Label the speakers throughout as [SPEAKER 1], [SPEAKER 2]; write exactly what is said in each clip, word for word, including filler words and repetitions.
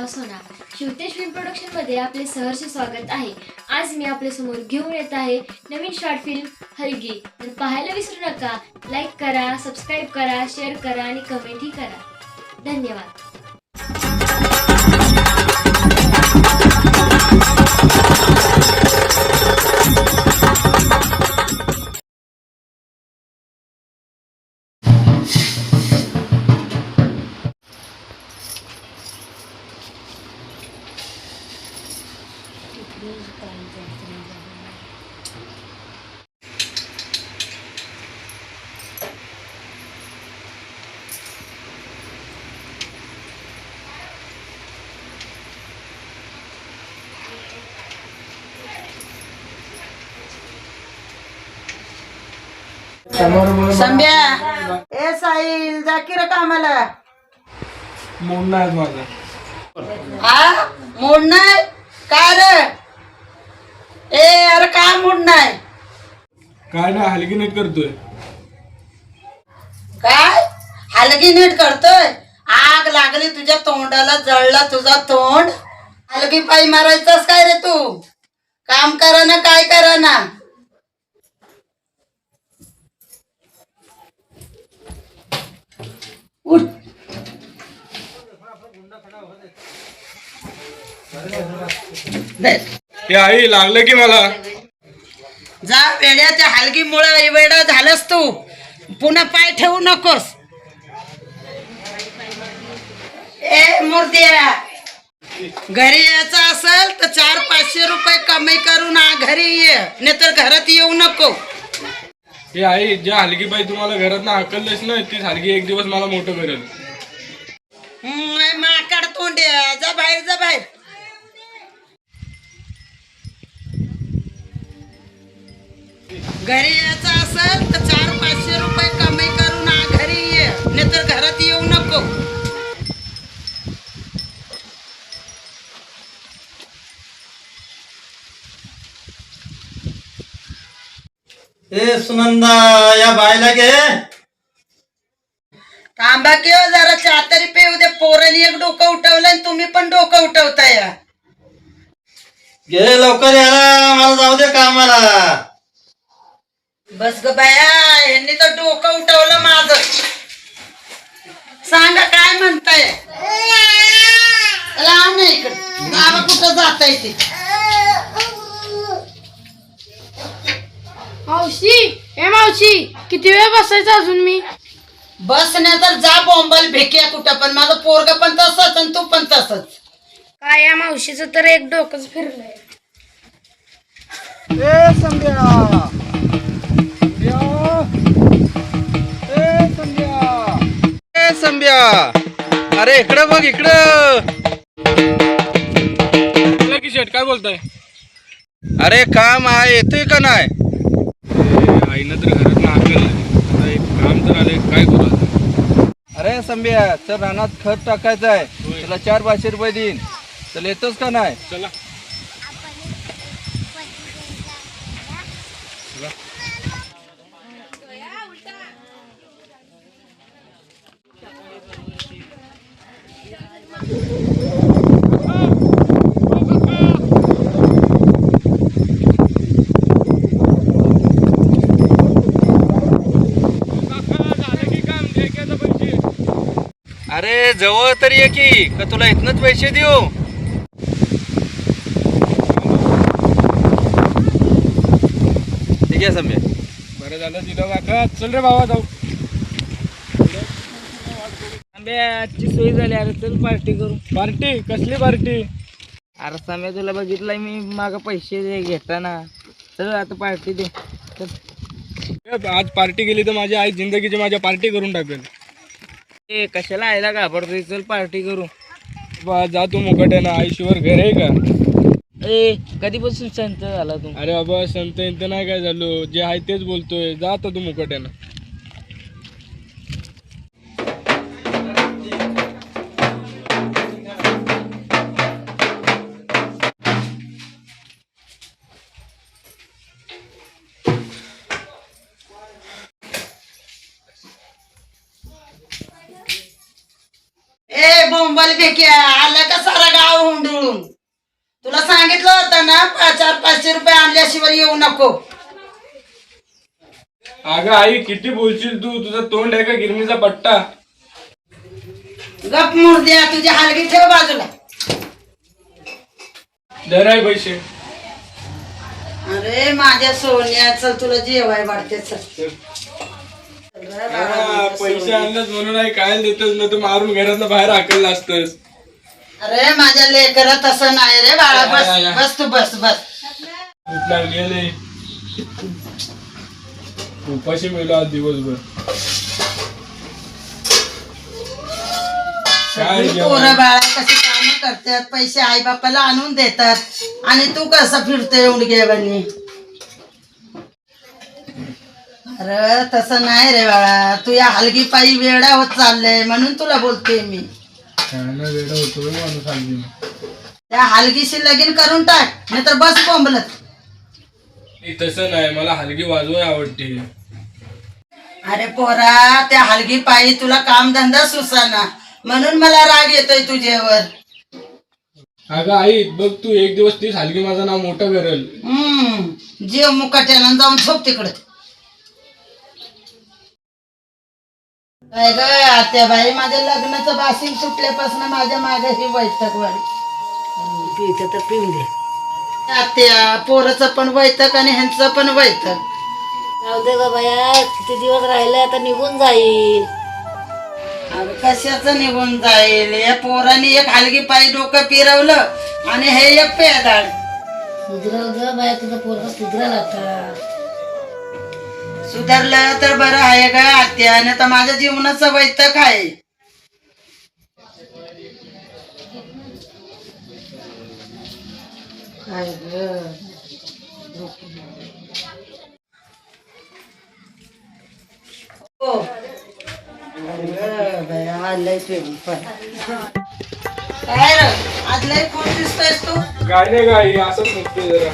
[SPEAKER 1] नाव सोना. Shivtej film production मध्ये आपले सहर्ष स्वागत आहे. आज मी आपल्या समोर घेऊन येत आहे नवीन शॉर्ट फिल्म हलगी. तर पाहायला विसरू नका. लाईक करा, सबस्क्राईब करा, शेअर करा आणि कमेंटही करा. धन्यवाद.
[SPEAKER 2] संभ्या ए साहिल जाकीर कामाला
[SPEAKER 3] मूड नाही माझा.
[SPEAKER 2] हा मूड नाही काय रे? ए अरे काय मूड नाही?
[SPEAKER 3] काय ना हलकी नीट करतोय.
[SPEAKER 2] काय हलगी नीट करतोय? आग लागली तुझ्या तोंडाला, जळला तुझा तोंड. हलगी पायी मारायचास काय रे तू? काम करा ना, काय करा ना. उठ.
[SPEAKER 3] हे आई लागलं की मला.
[SPEAKER 2] जा वेड्याच्या हलगीमुळे वेडा झालंस तू. पुन्हा पाय ठेवू नकोस. ए मूर्त्या, घरी यायचं असेल तर चार पाचशे रुपये कमाई करून आ घरी ये, नाहीतर घरात येऊ नको.
[SPEAKER 3] हे आई ज्या हलकी बाई तुम्हाला घरात ना हाकललेस ना, तीच हलकी एक दिवस मला मोठं करेल.
[SPEAKER 2] हम्म, माकड तोंड्या, जा बाहेर, जा बाहेर. घरी यायचं असेल तर चार पाचशे रुपये कमाई करून आ घरी ये, नाहीतर घरात येऊ नको.
[SPEAKER 4] ए सुनंदा, या बायला घे.
[SPEAKER 2] थांबा की हो जरा, चहा तरी पेऊ दे. पोरांनी एक डोकं उठवलं आणि तुम्ही पण डोकं उठवताय.
[SPEAKER 4] घे लवकर, याला मला जाऊ दे कामाला.
[SPEAKER 2] बस ग बाया, यांनी तर डोकं उठवलं माझं. सांगा काय म्हणताय? चला आण इकडे. बाबा कुठं जाताय ते?
[SPEAKER 5] मावशी, ए मावशी, किती वेळ बसायचं अजून मी?
[SPEAKER 2] बस नाही तर जा बोंबल भेक्या कुठं पण. माझं पोरग पण तसंच आणि तू पण तसंच.
[SPEAKER 5] काय या मावशीचं तर एक डोकंच फिरलंय.
[SPEAKER 3] ए संध्या, ए संध्या,
[SPEAKER 4] ए संभ्या, अरे इकडं बघ, इकडं.
[SPEAKER 3] बोला की शेट, काय बोलताय?
[SPEAKER 4] अरे काम आहे, येतोय का नाही?
[SPEAKER 3] आईनं तर घरात ना हाकललं. आता एक काम तर आलंय, काय करू आता?
[SPEAKER 4] अरे संभ्या, चल रानात खत टाकायचं आहे. तुला चार पाचशे रुपये देईन. चल येतोस का नाही?
[SPEAKER 3] चला.
[SPEAKER 4] अरे जवळ तरी ये की, का तुला इथनच पैसे देऊ? ठीक आहे संभ्या.
[SPEAKER 3] बरं झालं दिलं काका. चल रे बाबा जाऊ.
[SPEAKER 6] आजची सोय झाली. अरे चल पार्टी करू.
[SPEAKER 3] पार्टी? कसली पार्टी?
[SPEAKER 6] अरे सम्या, तुला बघितलंय मी माग पैसे घेताना. चल आता पार्टी दे. चल.
[SPEAKER 3] आज पार्टी केली तर माझी आई जिंदगीची माझ्या पार्टी करून टाकेल.
[SPEAKER 6] ए कशाला आयला घाबरतोय? चल पार्टी करू.
[SPEAKER 3] बा जा तू मुकट आहे ना. आईशिवर घर आहे का?
[SPEAKER 6] ए कधीपासून संत झाला तू?
[SPEAKER 3] अरे बाबा संत इंत नाही काय झालो. जे आहे तेच बोलतोय. जा आता तू मुकट आहे ना.
[SPEAKER 2] बोंबल चल बेक्या, आला का सारा गाव हुंडळून. तुला सांगितलं होतं ना पाच चार पाचशे रुपये आणल्याशिवाय येऊ नको.
[SPEAKER 3] अगं आई किती बोलशील तू, तुझं तोंड आहे का गिरणीचा पट्टा.
[SPEAKER 2] गप मुर्द्या, तुझी हलगी ठेव बाजूला.
[SPEAKER 3] दर आहे पैसे.
[SPEAKER 2] अरे माझ्या सोन्या, चल तुला जेवाय वाढते. चल
[SPEAKER 3] हा, पैसे आणलंच म्हणून आई काय देतच ना, तू मारून घरातनं बाहेर हाकलला असतस.
[SPEAKER 2] अरे माझ्या लेकरा तसं नाही रे बाळा. बस बस तू बस बस.
[SPEAKER 3] भूक लागली आहे. उपाशी मिळलो आज दिवसभर. काय
[SPEAKER 2] पोरं बाळा कशी काम करतात, पैसे आई बापाला आणून देतात आणि तू कसं फिरतोय उडगेवानी. अरे तसं नाही रे बाळा, तू या हलगी पायी वेडा होत चाललंय म्हणून तुला बोलते मी.
[SPEAKER 3] वेडा होतो माणूस हलगी.
[SPEAKER 2] त्या हलगीशी लगीन करून टाक, नाहीतर बस बोंबलत.
[SPEAKER 3] तसं नाही, मला हलगी वाजवाय आवडते.
[SPEAKER 2] अरे पोरा, त्या हलगी पायी तुला कामधंदा सुसाना म्हणून मला राग येतोय तुझ्यावर.
[SPEAKER 3] अगं आई बघ, तू एक दिवस तीच हलगी माझं नाव मोठं करेल.
[SPEAKER 2] हम्म जीव मुकाट्यानं जाऊन झोप तिकडे. काय ग आत्या बाई, माझ्या लग्नाचं बासिंग सुटल्यापासून माझ्या मागे ही वैतक वाढी. पिवते तर पिऊन दे आत्या, पोराचं पण वैतक आणि ह्यांचं पण वैतक.
[SPEAKER 7] जाऊ दे ग बाया, किती दिवस राहिले आता निघून जाईल.
[SPEAKER 2] अरे कशाचं निघून जाईल, या पोराने एक हलगी पायी डोकं फिरवलं आणि हे एक पेदाड.
[SPEAKER 7] सुधरल ग बाया, तुझं पोरग सुधरल आता.
[SPEAKER 2] सुधारलं तर बरं आहे ग आत्या, नाही तर माझ्या जीवनाचं वैतक आहे. काय ग हो. अरे बया, लय पेरून पण. काय रे आज लय कोण दिसतोयस तू.
[SPEAKER 3] काय नाही गाई, असंच निघते जरा.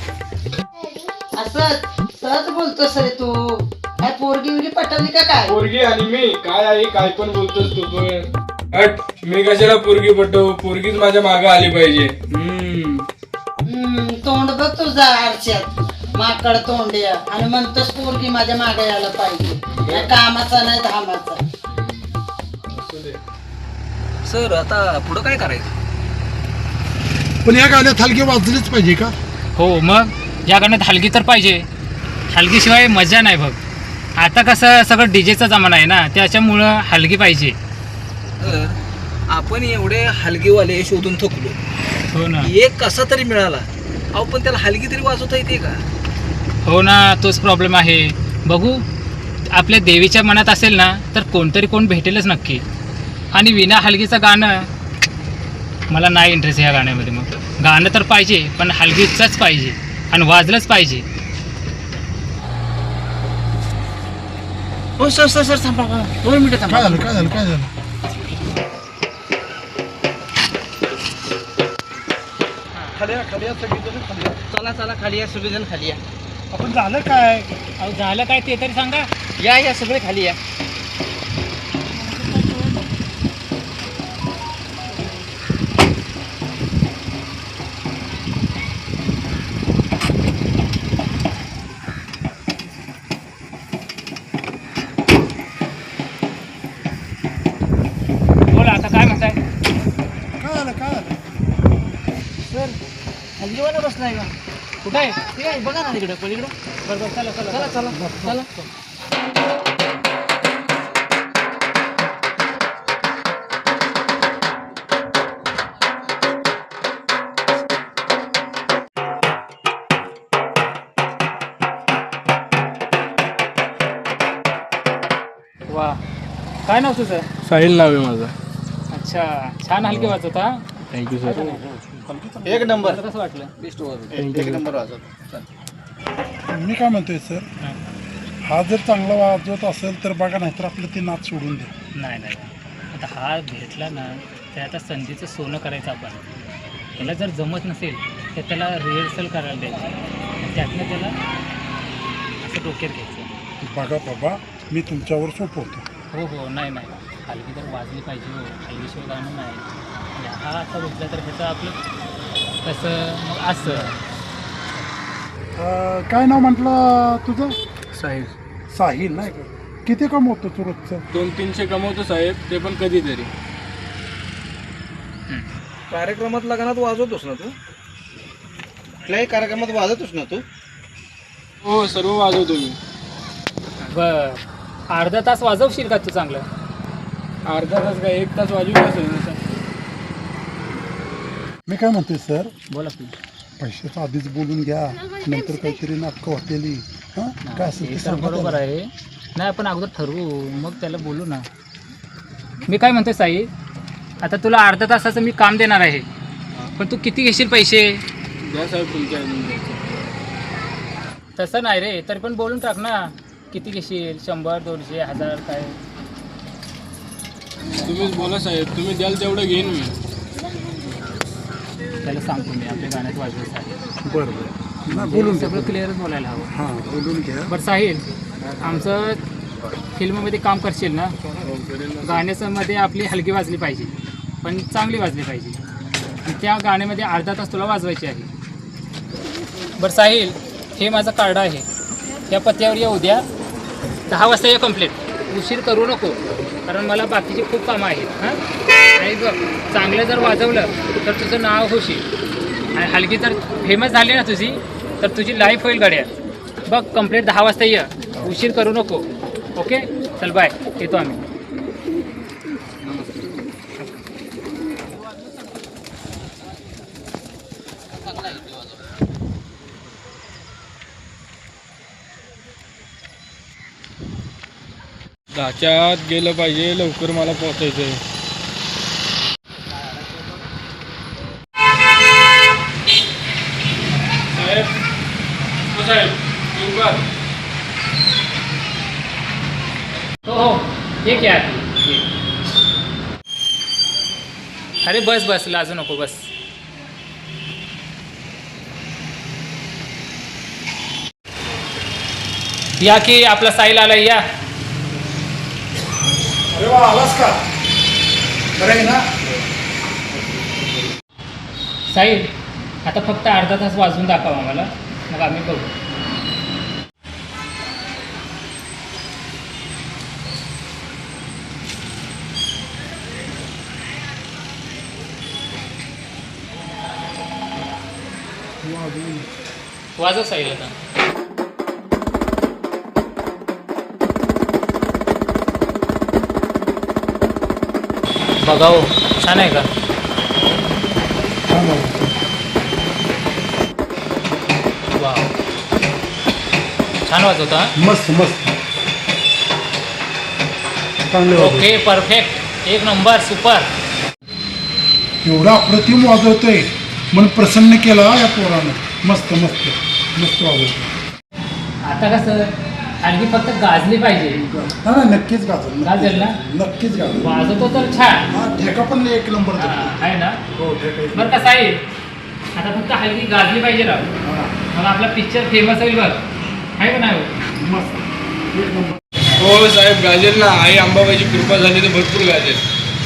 [SPEAKER 2] असं सहज बोलतोस रे तू. काय पोरगी बिरगी पटवली का काय.
[SPEAKER 3] पोरगी आणि मी काय आहे, काय पण बोलतोस तू पण. हट, मी कशाला पोरगी पटवू, पोरगीच माझ्या मागे आली पाहिजे. हम्म
[SPEAKER 2] हम्म तोंड बघ तुझा आरशात, माकड तोंड्या, आणि म्हणतोस पोरगी माझ्या मागे यायला पाहिजे. नाही कामाचा नाही धामाचा.
[SPEAKER 4] सर आता पुढं काय करायचं.
[SPEAKER 8] पण या गाण्यात हलगी वाजलीच पाहिजे का.
[SPEAKER 9] हो मग या गाण्यात हलगी तर पाहिजे. हलगीशिवाय मजा नाही बघ. आता कसं सगळं डीजेचा जमाना आहे ना, त्याच्यामुळं हलगी पाहिजे.
[SPEAKER 4] तर आपण एवढे हलगीवाले शोधून थकलो,
[SPEAKER 9] हो ना.
[SPEAKER 4] एक कसा तरी मिळाला, अहो पण त्याला हलगी तरी वाजवता येते का.
[SPEAKER 9] हो ना, तोच प्रॉब्लेम आहे. बघू, आपल्या देवीच्या मनात असेल ना तर कोणतरी कोण भेटेलच नक्की. आणि विना हलगीचं गाणं मला नाही इंटरेस्ट ह्या गाण्यामध्ये. मग गाणं तर पाहिजे पण हलगीचंच पाहिजे आणि वाजलंच पाहिजे.
[SPEAKER 4] हो सर सर सर थांबा, दोन मिनिटं थांबा.
[SPEAKER 8] काय झालं काय झालं काय झालं.
[SPEAKER 4] खाली या, खाली या सगळीजण खाली या. चला चला खाली या, सगळेजण खाली या.
[SPEAKER 8] आपण झालं काय.
[SPEAKER 9] अहो झालं काय ते तरी सांगा.
[SPEAKER 4] या या सगळे खाली या.
[SPEAKER 9] बोला आता काय म्हणताय.
[SPEAKER 8] काय झालं काय झालं.
[SPEAKER 4] सर हलगीवाला बसलाय का.
[SPEAKER 9] कुठं आहे.
[SPEAKER 4] ठीक आहे, बघा ना तिकडे पलीकडे.
[SPEAKER 9] बरं बरं, चला चला
[SPEAKER 4] चला चला चला.
[SPEAKER 9] वा, काय नाव तुझं.
[SPEAKER 3] साहिल नाव आहे माझं.
[SPEAKER 9] अच्छा, छान हलगी वाजवत हा.
[SPEAKER 3] Thank you sir.
[SPEAKER 4] एक नंबर.
[SPEAKER 9] कसं वाटलं.
[SPEAKER 4] बेस्ट वाजवतो. एक नंबर वाजवतो.
[SPEAKER 8] मी काय म्हणतोय सर, हा जर चांगला वाजवत असेल तर बघा, नाहीतर आपलं ते नाच सोडून दे.
[SPEAKER 9] नाही नाही, आता हा भेटला ना तर आता संधीचं सोनं करायचं आपण. त्याला जर जमत नसेल तर त्याला रिहर्सल करायला द्यायची, त्यातनं त्याला असं डोक्यात घ्यायचं.
[SPEAKER 8] बघा बाबा, मी तुमच्यावर सोपवतो.
[SPEAKER 9] हो हो, नाही नाही, हलगी तर वाजली पाहिजे हो. हलगीशिवाय गाणं नाही. हा असा भेटला तर ह्याचं आपलं कसं मग असं.
[SPEAKER 8] अं, काय नाव म्हटलं तुझं?
[SPEAKER 3] साहेब
[SPEAKER 8] साहिल नाही का? किती कमवतो तू रोजचं?
[SPEAKER 3] दोन तीनशे कमवतो साहेब, ते पण कधीतरी.
[SPEAKER 4] कार्यक्रमात लग्नात वाजवतोस ना तू? कुठल्याही कार्यक्रमात वाजवतोस ना तू?
[SPEAKER 3] हो सर्व वाजवतो मी.
[SPEAKER 9] बर अर्धा तास वाजवशील का तू चांगलं?
[SPEAKER 3] अर्धा तास काय एक तास वाजवू असेल.
[SPEAKER 8] मी काय म्हणतोय सर,
[SPEAKER 9] बोला की.
[SPEAKER 8] पैशाचं आधीच बोलून घ्या, नंतर काहीतरी नाटकं होतेली. हां काय असेल ते
[SPEAKER 9] हे तर
[SPEAKER 8] सांगा
[SPEAKER 9] बरोबर
[SPEAKER 8] त्याला.
[SPEAKER 9] आहे. नाही आपण अगोदर ठरवू मग त्याला बोलू ना. मी काय म्हणतोय साई, आता तुला अर्धा तासाचं मी काम देणार आहे, पण तू किती घेशील पैसे?
[SPEAKER 3] द्या साहेब तुमच्या
[SPEAKER 9] तसं नाही रे, तरी पण बोलून टाक ना. किती घेशील? शंभर, दोनशे, हजार काय?
[SPEAKER 3] तुम्हीच बोला साहेब, तुम्ही द्याल तेवढं घेईन मी.
[SPEAKER 9] त्याला सांगतो मी आपल्या गाण्यात वाजवायचं आहे.
[SPEAKER 8] बरं बरं नाही बोलून घ्या.
[SPEAKER 9] सगळं क्लिअरच बोलायला हवं.
[SPEAKER 8] हां बोलून घ्या.
[SPEAKER 9] बरं साहिल, आमचं फिल्ममध्ये काम करशील ना? गाण्याचं मध्ये आपली हलकी वाजली पाहिजे, पण चांगली वाजली पाहिजे. आणि त्या गाण्यामध्ये अर्धा तास तुला वाजवायची आहे. बरं साहिल, हे माझं कार्ड आहे. त्या पत्त्यावर ये उद्या दहा वाजता ये कंप्लीट. उशीर करू नको, कारण मला बाकीची खूप कामं आहेत. हां आणि बघ, चांगलं जर वाजवलं तर तुझं नाव होशील, आणि हलकी जर फेमस झाली ना तुझी, तर तुझी लाईफ होईल गड्या. बघ कंप्लीट दहा वाजता ये, उशीर करू नको. ओके चल बाय, येतो आम्ही.
[SPEAKER 3] दहाच्या आत गेलं पाहिजे, लवकर मला पोहोचायचं आहे. साहेब हो साहेब येऊ का?
[SPEAKER 9] हो हो ये क्या ये. अरे बस बस, लाजू नको, बस. या की आपला साईल आला, या.
[SPEAKER 8] अरे वा, आलास का? बरं आहे ना?
[SPEAKER 9] साईल, आता फक्त अर्धा तास वाजवून दाखवा आम्हाला, मग आम्ही बघू. वाजव साईल आता. बघा हो, छान आहे का?
[SPEAKER 8] छान आहे.
[SPEAKER 9] वा, छान वाजवता.
[SPEAKER 8] मस्त मस्त चांगले वाजवतो.
[SPEAKER 9] ओके परफेक्ट, एक नंबर, सुपर.
[SPEAKER 8] एवढा अप्रतिम वाजवतोय मन प्रसन्न केला या पोरानं. मस्त मस्त मस्त वाजवतो.
[SPEAKER 9] आता कसं आणखी फक्त गाजली पाहिजे.
[SPEAKER 8] हा ना, नक्कीच गाजल.
[SPEAKER 9] गाजल ना?
[SPEAKER 8] नक्कीच गाजल.
[SPEAKER 9] वाजवतो तर छान.
[SPEAKER 8] हा ठेका पण एक नंबर
[SPEAKER 9] हा,
[SPEAKER 8] देतो.
[SPEAKER 9] आहे ना?
[SPEAKER 8] हो ठेका एक
[SPEAKER 9] बरं कसं आहे, आता फक्त हलकी गाजली पाहिजे राव,
[SPEAKER 8] नंबर. हा,
[SPEAKER 9] मग आपला पिक्चर फेमस होईल बघ. आहे का नाही?
[SPEAKER 8] मस्त एक नंबर.
[SPEAKER 3] हो साहेब गाजेल ना, आई अंबाबाईची कृपा झाली तर भरपूर गाजेल.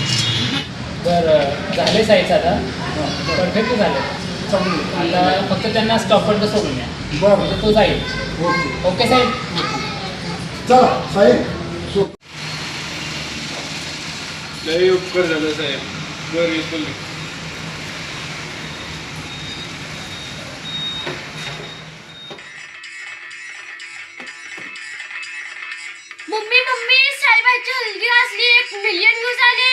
[SPEAKER 9] बरं झाले साईज आता परफेक्ट झालं. आता फक्त त्यांना स्टॉपपर्यंत सोडून द्या,
[SPEAKER 8] बरं
[SPEAKER 9] म्हणजे तो जाईल.
[SPEAKER 8] ओके.
[SPEAKER 9] ओके साहेब.
[SPEAKER 8] चला साहेब सो
[SPEAKER 3] लई उपकार झाला साहेब. बरं येतो मी.
[SPEAKER 1] मम्मी मम्मी साईबाईची हलगी वाजली, एक मिलियन व्ह्यूज आले.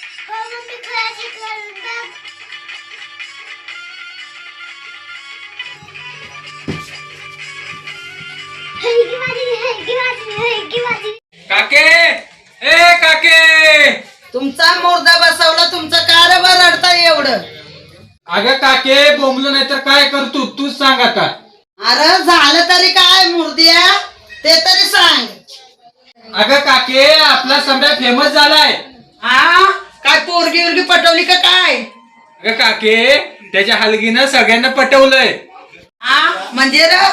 [SPEAKER 3] काके ए काके,
[SPEAKER 2] तुमचा मुर्दा बसवला, तुमचं कारभार रडताय एवढं.
[SPEAKER 3] अगं काके बोंबलं नाही तर काय करतो तूच सांग आता.
[SPEAKER 2] अरे झालं तरी काय मुर्द्या, ते तरी सांग.
[SPEAKER 3] अगं काके आपला सम्राट फेमस झालाय.
[SPEAKER 2] हा काय पोरगी उरगी पटवली का काय?
[SPEAKER 3] अगं काके त्याच्या हलगीनं सगळ्यांना पटवलंय.
[SPEAKER 2] हा म्हणजे र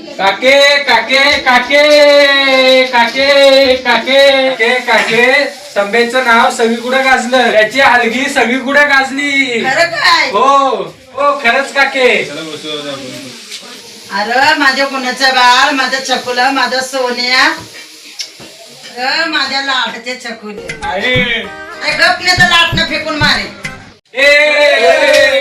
[SPEAKER 3] काके काके काके काके काके काके काके संभेचं नाव सगळीकडे गाजलं, त्याची हलगी सगळीकडे गाजली.
[SPEAKER 2] खरं काय?
[SPEAKER 3] हो हो खरंच काके.
[SPEAKER 2] अरे माझ्या गुणाचं बाळ, माझ्या चकुला, माझा सोन्या, अरे माझ्या लाटचे चकुले.
[SPEAKER 3] आहे
[SPEAKER 2] गपने तर लाटणं फेकून मारे.
[SPEAKER 3] ए